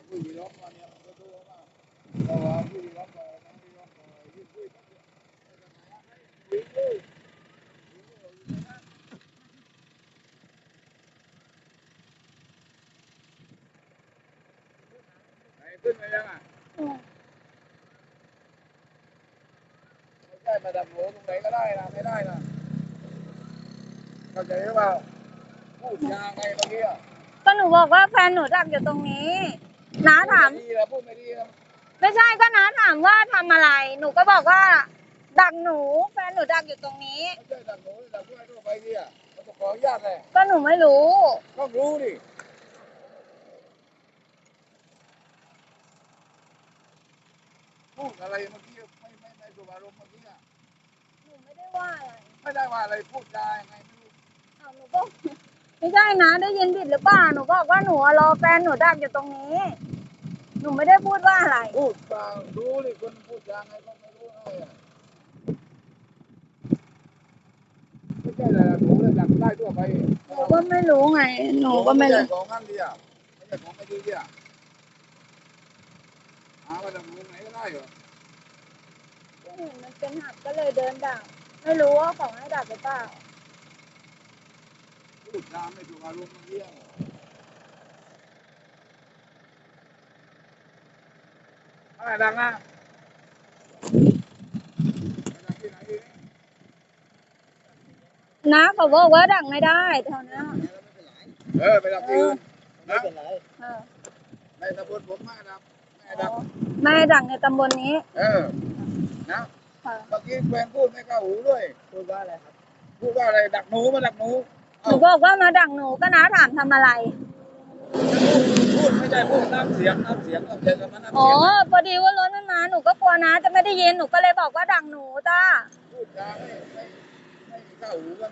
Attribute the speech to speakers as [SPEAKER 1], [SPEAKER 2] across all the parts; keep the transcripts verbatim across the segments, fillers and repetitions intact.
[SPEAKER 1] ผู้หญิงร้องมาเนี่ยก็ดูว่าแต่ว่าผู้หญิงร้องมาน้องที่ร้องมายิ่งคุยกันเนี่ยวิ่งเลยไหนขึ้นไปยังอ่ะไม่ใช่มาดับหัวตรงไหนก็ได้นะไม่ได้นะเข้าใจหรือเปล่าพูดยาไงเมื่อกี้อ่ะ
[SPEAKER 2] ก็หนูบอกว่าแฟนหนูดักอยู่ตรงนี้น้าถาม
[SPEAKER 1] พูดไม่ดีนะพูดไม่ดีนะ
[SPEAKER 2] ไม่ใช่ก็น้าถามว่าทำอะไร หนูก็บอกว่า ดักหนูแฟนหนูดักอยู่ตรงนี้
[SPEAKER 1] ไม่ใช่ดักหนูดักเพื่อนทั่วไปดิอ่ะมันขออนุญาตเลย
[SPEAKER 2] ก็หนูไม่รู้
[SPEAKER 1] ต้องรู้ดิพูดอะไรเมื่อกี้ไม่ไม่ไม่สุภาพเมื่อกี้อ่ะ
[SPEAKER 2] หนูไม่ได้ว่าอะไร
[SPEAKER 1] ไม่ได้ว่าอะไรพูดจายังไงไม่รู้
[SPEAKER 2] อ้าวหนูก็ไม่ใช่นะได้ยินผิดหรือเปล่าหนูบอกว่าหนูรอแฟนหนูดักอยู่ตรงนี้หนูไม่ได้พูดว่าอะไร
[SPEAKER 1] พูดจารู้ดิคนพูดจาไงก็ไม่รู้ไงอ่ะไม่ใช่อะไรหนูเลยดักได้ทั่วไป
[SPEAKER 2] หนูก็ไม่รู้ไงหนูก็ไม่รู้
[SPEAKER 1] ของงั้นดิอ่ะไม่ใช่ของไม่ดีดิอ่ะหาว่าดักหนูไหนก็ได้เหรอ
[SPEAKER 2] ก็เห็นมันเป็นหักก็เลยเดินดักไม่รู้ว่าของให้ดักหรือเปล่า
[SPEAKER 1] พูดจาไม่ถูกอารมณ์เมื่อกี้อะไรดังอ่ะดังที่ไหนดิ
[SPEAKER 2] นะเขาบอกว่าดักไม่ได้แถวนี้
[SPEAKER 1] เออไปดักที่อื่นนะในตำบลผมไม่ดักไม่ดัก
[SPEAKER 2] ไม่ดักในตำบลนี้
[SPEAKER 1] เออนะเมื่อกี้แฟนพูดไม่เข้าหูด้วย
[SPEAKER 3] พูดว่าอะไรครับ
[SPEAKER 1] พูดว่าอะไรดักหนูมาดักหนู
[SPEAKER 2] หนูบอกว่ามาดักหนูก็น้าถามทำอะไร
[SPEAKER 1] พูดไม่ใช่พูดน้ำเสียงน้ำเสียงน้ำเสียงกับมันน้ำ
[SPEAKER 2] อ๋อ
[SPEAKER 1] เสียง
[SPEAKER 2] พอดีว่ารถมันมาหนูก็กลัวนะจะไม่ได้ยินหนูก็เลยบอกว่าดักหนูจ้า
[SPEAKER 1] พูดจาไม่ไม่ไม่เข้าหูกัน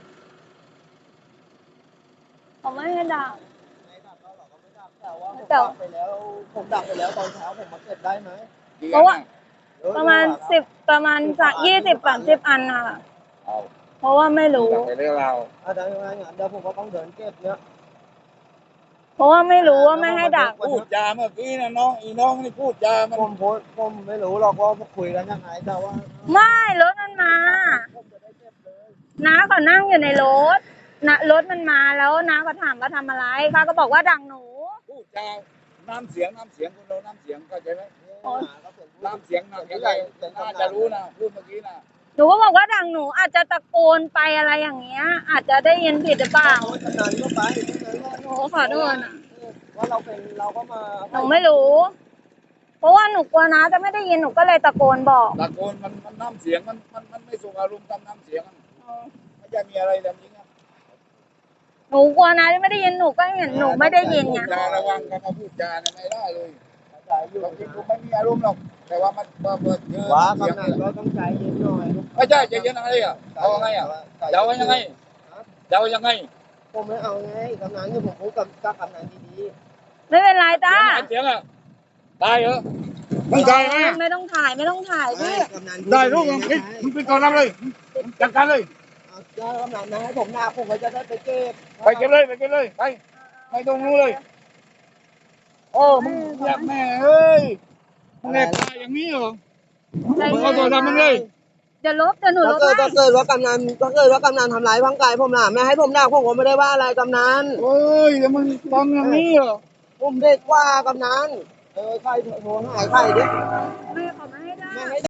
[SPEAKER 2] เขาไม่ให้ดัก
[SPEAKER 3] ไม่ดักเราหรอกก็ไม่ดักแต่ว่าผมดักไปแล้วผมดักไปแล้วตอนเช้าผมมาเก็บได้ไหม
[SPEAKER 2] เพราะว่าประมาณสิบประมาณสักยี่สิบสามสิบอันน่ะเพราะว่าไม่รู้
[SPEAKER 1] ไปเรื่องเรา
[SPEAKER 3] อาจารย์ยังไงเดี๋ยวผมก็ต้องเดินเก็บเนี้ย
[SPEAKER 2] เพราะว่าไม่รู้ว่าไม่ให้ดัก
[SPEAKER 1] พูดจาเมื่อกี้นะน้องอีน้องนี่พูดจามัน
[SPEAKER 3] ผมพูดผมไม่รู้หรอกว่าคุยกันยังไงแต่ว่า
[SPEAKER 2] ไม่รถมันมาน้าเขานั่งอยู่ในรถนะรถมันมาแล้วน้าเขาถามว่าทำอะไรเขาก็บอกว่าดักหนู
[SPEAKER 1] พูดจาน้ำเสียงน้ำเสียงคนเราน้ำเสียงเข้าใจไหมน้ำเสียงน่ะยังไงน่าจะรู้นะพูดเมื่อกี้นะ
[SPEAKER 2] หนูก็บอกว่าดังหนูอาจจะตะโกนไปอะไรอย่างเงี้ยอาจจะได้ยินผิดหรือเปล่า
[SPEAKER 3] กำนันก็ไป
[SPEAKER 2] หนูขอโทษนะ
[SPEAKER 3] ว่าเราเป็นเราก็มา
[SPEAKER 2] หนูไม่รู้เพราะว่าหนูกลัวนะจะไม่ได้ยินหนูก็เลยตะโกนบอก
[SPEAKER 1] ตะโกนมันมันน้ำเสียงมันมันมันไม่ส่งอารมณ์ตามน้ำเสียงไม่จะมีอะไรแบบนี้นะ
[SPEAKER 2] หนูกลัวนะจะไม่ได้ยินหนูก็เห็นหนูไม่ได้ยินไง
[SPEAKER 1] จาระวังกันมาพูดจาไม่ได้เลยบางทีกูไม่มีอารมณ์หรอกแต่ว่ามันเปิดเจอ
[SPEAKER 3] ว่ากำนันก็ต้องใจเย็นหน่อย
[SPEAKER 1] ไม่ใช่ใจเย็นอะไรอ่ะเอาไงอ่ะจะเอายังไงจะเอายังไง
[SPEAKER 3] ผมไม่เอาไงกำนันที่ผมพูดกับกับกำนันดี
[SPEAKER 2] ๆไม่เป็นไรตา
[SPEAKER 1] เสียงอ่ะได้เหรอไม่ได้ไหม
[SPEAKER 2] ไม่ต้องถ่ายไม่ต้องถ่ายพี่
[SPEAKER 1] ได้ลูกมึงไปก่อนเลยจัดการเลย
[SPEAKER 3] เอากำนันนะให้ผมหน้าผมก็จะได้ไปเก็บ
[SPEAKER 1] ไปเก็บเลยไปเก็บเลยไปไปตรงนู้นเลยโอ้มึงอยากแม่เอ้ยมึงแอบตายอย่างนี้เหรอมึงเอาตัวทำมึงเลย
[SPEAKER 2] จะลบจะหนูลบ
[SPEAKER 3] ถ้าเกิดว่ากำนันถ้าเกิดว่ากำนันทำร้ายร่างกายผมล่ะไม่ให้ผมด่าผมก็ไม่ได้ว่าอะไรกำนัน
[SPEAKER 1] เฮ้ยแล้วมึงทำอย่างนี้เหรอ
[SPEAKER 3] ผมเด็กกว่ากำนันเออใครโทรหายใครดิ
[SPEAKER 2] ไม่ขอไม่ให้ได้